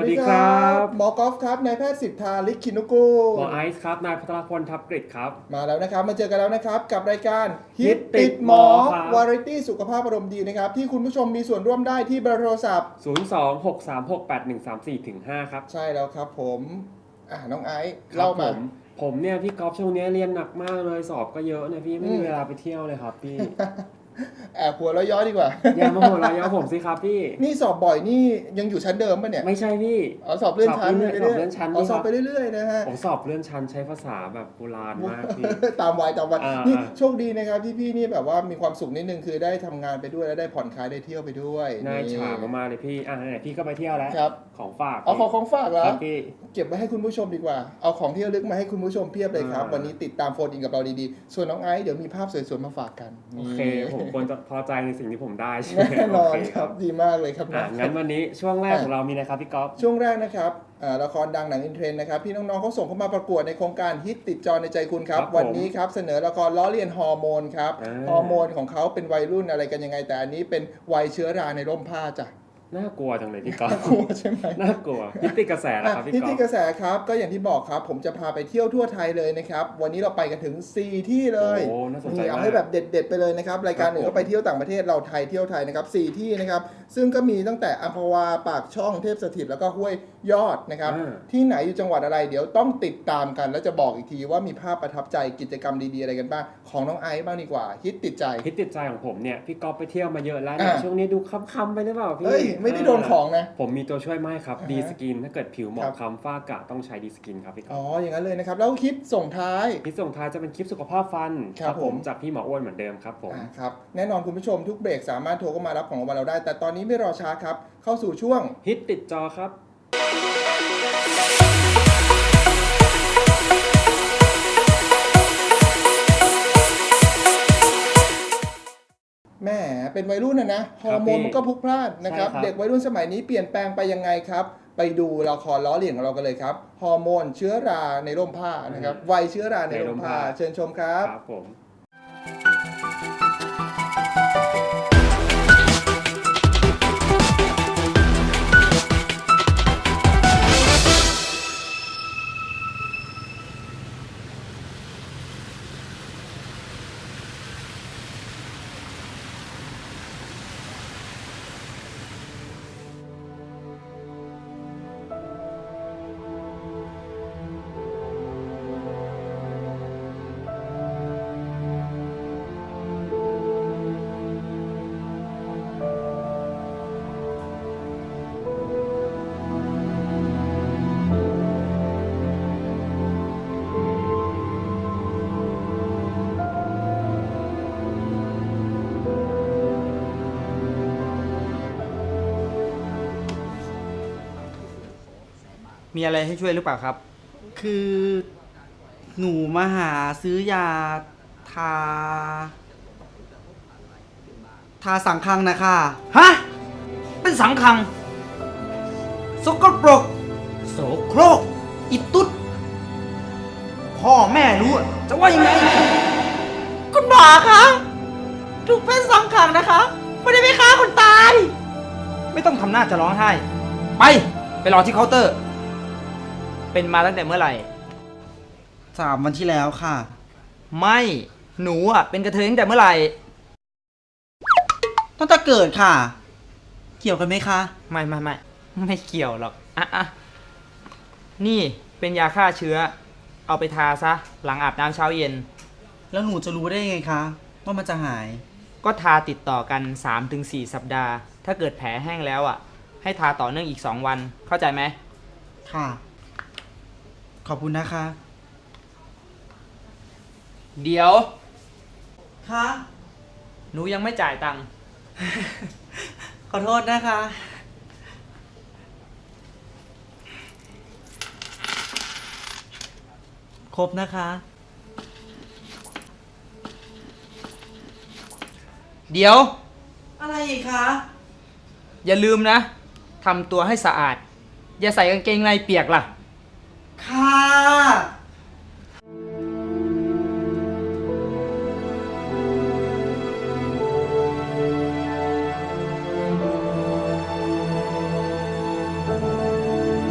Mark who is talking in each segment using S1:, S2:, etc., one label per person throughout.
S1: วัสดีครับ
S2: หมอกอล์ฟครับนายแพทย์สิทธาลิขิตนุกูล
S1: หมอไอซ์ครับนายพัทรพลทับกฤษครับ
S2: มาแล้วนะครับมาเจอกันแล้วนะครับกับรายการฮิต
S1: ฮิตติ
S2: ติ
S1: ด
S2: ด
S1: ห
S2: ห
S1: ม
S2: ม
S1: อ
S2: อ
S1: ครับ
S2: วาไรตี้สุขภาพอารมณ์ดีนะครับที่คุณผู้ชมมีส่วนร่วมได้ที่เบอร์โทรศัพท์
S1: 026368134-5ครับ
S2: ใช่แล้วครับผมน้องไอซ์เล่ามา
S1: ผมเนี่ยพี่ก๊อฟช่วงนี้เรียนหนักมากเลยสอบก็เยอะนะพี่ไม่มีเวลาไปเที่ยวเลยครับพี่
S2: แอบหัวเราะย้อยดีกว่า
S1: อย่ามาหัวเราะเย้าผมสิครับพี่
S2: นี่สอบบ่อยนี่ยังอยู่ชั้นเดิมป่ะเนี่ย
S1: ไม่ใช่พี่
S2: สอบเลื่อนชั้น
S1: สอบเลื่อนชั้น
S2: สอบไปเรื่อยๆนะฮะ
S1: ผมสอบเลื่อนชั้นใช้ภาษาแบบโบราณมากพี่
S2: ตามวัย
S1: อ่า
S2: นี่โชคดีนะครับที่พี่นี่แบบว่ามีความสุขนิดนึงคือได้ทำงานไปด้วยแล้วได้ผ่อนคลายได้เที่ยวไปด้วย
S1: น่าอิจฉามากๆเลยพี่ไหนพี่ก็ไปเที่ยวแล้ว
S2: ครับ
S1: ของฝาก
S2: เอาของฝากเหรอ
S1: ครับพี่
S2: เก็บไว้ให้คุณผู้ชมดีกว่าเอาของที่ระลึกมาให้คุณผู้ชมเพียบเลยครับ วันนี้ติดตามโฟนอินกับเราดีๆส่วนน้องไอซ์เดี๋ยวมีภาพสวยๆมาฝากกัน
S1: โอเคผมควรจะพอใจในสิ่งที่ผมได้ใช่ไหม
S2: แน่นอน
S1: โเ
S2: ครับดีมากเลยครับ
S1: งั้นวันนี้ช่วงแรกของเรามีอะไรครับพี่ก๊อฟ
S2: ช่วงแรกนะครับละครดังหนังอินเทรนด์นะครับพี่น้องๆเขาส่งเข้ามาประกวดในโครงการฮิตติดจอในใจคุณครับ
S1: ครับผม
S2: วันนี้ครับเสนอละครล้อเลียนฮอร์โมนครับฮอร์โมนของเขาเป็นวัยรุ่นอะไรกันยังไงแต่อันนี้เป็นวัยเชื้อราในร่มผ้าจ้ะ
S1: น่ากลัวจังเลยพี่ก๊อฟ
S2: น่ากลัวใช่ไหม
S1: น่ากลัวฮิตติดกระแสนะครับพี่
S2: ที่
S1: ก๊อ
S2: ที่
S1: ฟ
S2: กระแสครับก็อย่างที่บอกครับผมจะพาไปเที่ยวทั่วไทยเลยนะครับวันนี้เราไปกันถึง 4 ที่เลย
S1: โอ้น่าสนใจ
S2: นี่เอา
S1: มาก
S2: ให้แบบเด็ดๆไปเลยนะครับรายการ
S1: ครับ
S2: อื่นก็ไปเที่ยวต่างประเทศเราไทยเที่ยวไทยนะครับ4ที่นะครับซึ่งก็มีตั้งแต่อัมพวาปากช่องเทพสถิตแล้วก็ห้วยยอดนะครับที่ไหนอยู่จังหวัดอะไรเดี๋ยวต้องติดตามกัน แล้วจะบอกอีกทีว่ามีภาพประทับใจกิจกรรมดีๆอะไรกันบ้างของน้องไอซ์บ้างดีกว่าฮิตติดใจ
S1: ฮิตติดใจของผมเนี่ยพี่ก๊อฟไปเที่ยวมาเยอะแล้วเนี่ยช่วงนี้ดูค้ำๆไปหรือเปล่าพี่
S2: เฮ้ยไม่ได้โดนของนะ
S1: ผมมีตัวช่วยมาให้ครับ
S2: อ่าฮะ
S1: ดีสกินถ้าเกิดผิวหมอ
S2: ครั
S1: ง
S2: บ
S1: คล้ำฝ้ากระต้องใช้ดีสกินครับพี่ก๊
S2: อ๋
S1: อ
S2: อ
S1: ฟ
S2: อย่างนั้นเลยนะครับแล้วคลิปส่งท้าย
S1: ที่ส่งท้ายจะเป็นคลิปสุขภาพฟัน
S2: ครับผม
S1: จากพี่หมออ้วนเหมือนเดิมครับผม
S2: ครับแน่นอนคุณผู้ชมทุกเบรกสามารถโทรเข้ามารับของรางวัลเราได้ แต่ตอนนี้ไม่รอช้าครับเข้าสู่ช่วง
S1: ฮิตติดจอครับ
S2: แหมเป็นวัยรุ่นนะฮอร์โมนมันก็พลุกพล่านนะครับ
S1: ใช่ครับ
S2: เด็กวัยรุ่นสมัยนี้เปลี่ยนแปลงไปยังไงครับ ไปดูละครล้อเลียนของเรากันเลยครับฮอร์โมนเชื้อราในร่มผ้านะครับวัยเชื้อราในร่มผ้าเชิญชมครับ
S1: ครับผม
S3: มีอะไรให้ช่วยหรือเปล่าครับ
S4: คือหนูมาหาซื้อยาทา สังคังนะคะ
S3: ฮะ เป็นสังคัง สกปรก โสโครก อิตุ๊ด พ่อแม่รู้อะจะว่ายังไง
S4: คุณหมอคะถูกเป็นสังคังนะคะ ไม่ได้ไปฆ่าคนตาย
S3: ไม่ต้องทำหน้าจะร้องไห้ ไปรอที่เคาน์เตอร์ เป็นมาตั้งแต่เมื่อไหร่
S4: 3 วันที่แล้วค่ะ
S3: ไม่ หนูอ่ะเป็นกระเทยตั้งแต่เมื่อไหร่
S4: ตั้งแต่เกิดค่ะ เกี่ยวกันไหมคะ
S3: ไม่เกี่ยวหรอกอ่ะนี่เป็นยาฆ่าเชื้อ เอาไปทาซะ หลังอาบน้ำเช้าเย็น
S4: แล้วหนูจะรู้ได้ไงคะว่ามันจะหาย
S3: ก็ทาติดต่อกัน 3-4 สัปดาห์ ถ้าเกิดแผลแห้งแล้วอ่ะ ให้ทาต่อเนื่องอีก 2 วัน เข้าใจไหม
S4: ค่ะ ขอบคุณนะคะ
S3: เดี๋ยว
S4: ค่ะ
S3: หนูยังไม่จ่ายตังค์
S4: ขอโทษนะคะ ครบนะคะ
S3: เดี๋ยว
S4: อะไรอีกคะ
S3: อย่าลืมนะ ทำตัวให้สะอาด อย่าใส่กางเกงในเปียกล่ะ
S4: ค่ะ
S2: ค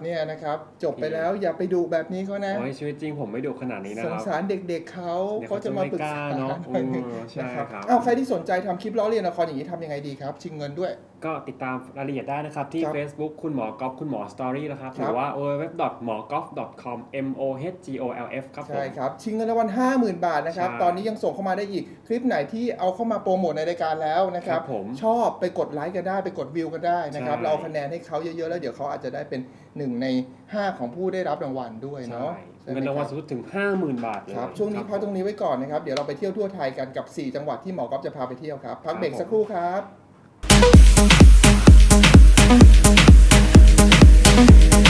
S2: เนี่ยนะครับจบไปแล้วอย่าไปดุแบบนี้เขานะ
S1: โอ้ยชีวิตจริงผมไม่ดุขนาดนี้นะ
S2: ส
S1: ค
S2: ง
S1: รับ
S2: สารเด็กๆเขา
S1: เดี๋ยว
S2: เขาจะมาปรึกษา
S1: เขาจะไม่กล้าเนอะ
S2: หน่อยหนึง
S1: ใช่
S2: นะครับ
S1: ครับ
S2: อ้าวใครที่สนใจทำคลิปล้อเลียนละครอย่างนี้ทำยังไงดีครับชิงเงินด้วย
S1: ก็ติดตามรายละเอียดได้นะครับ ที่
S2: ครับ
S1: Facebook คุณหมอก๊อฟคุณหมอสตอรี่นะครับ
S2: ค
S1: ห
S2: รับ
S1: รือว่า www.หมอกอฟ .com mohgolf ครับผม
S2: ใช่ครับชิงเงินรางวัล 50,000 บาทนะครับ
S1: ใช่
S2: ตอนนี้ยังส่งเข้ามาได้อีกคลิปไหนที่เอาเข้ามาโปรโมทในรายการแล้วนะครับ
S1: ครับผม
S2: ชอบไปกดไลค์กันได้ไปกดวิวกันได้นะครับ
S1: ใช่
S2: เราเอาคะแนนให้เขาเยอะๆแล้วเดี๋ยวเขาอาจจะได้เป็น1 ใน 5ของผู้ได้รับรางวัลด้วย
S1: ใช่
S2: เนาะใช่ไหม
S1: เงินรางวัล
S2: ค
S1: สู
S2: บ
S1: งสุดถึง 50,000 บาทเลย
S2: ครับช่วงนี้พักตรงนี้ไว้ก่อนนะครับเดี๋ยวเราไปเที่ยวทั่วไทยกันกับ 4 จังหวัดที่หมอก๊อฟจะพาไปเที่ยวครับพักเบรกสักครู่ครับ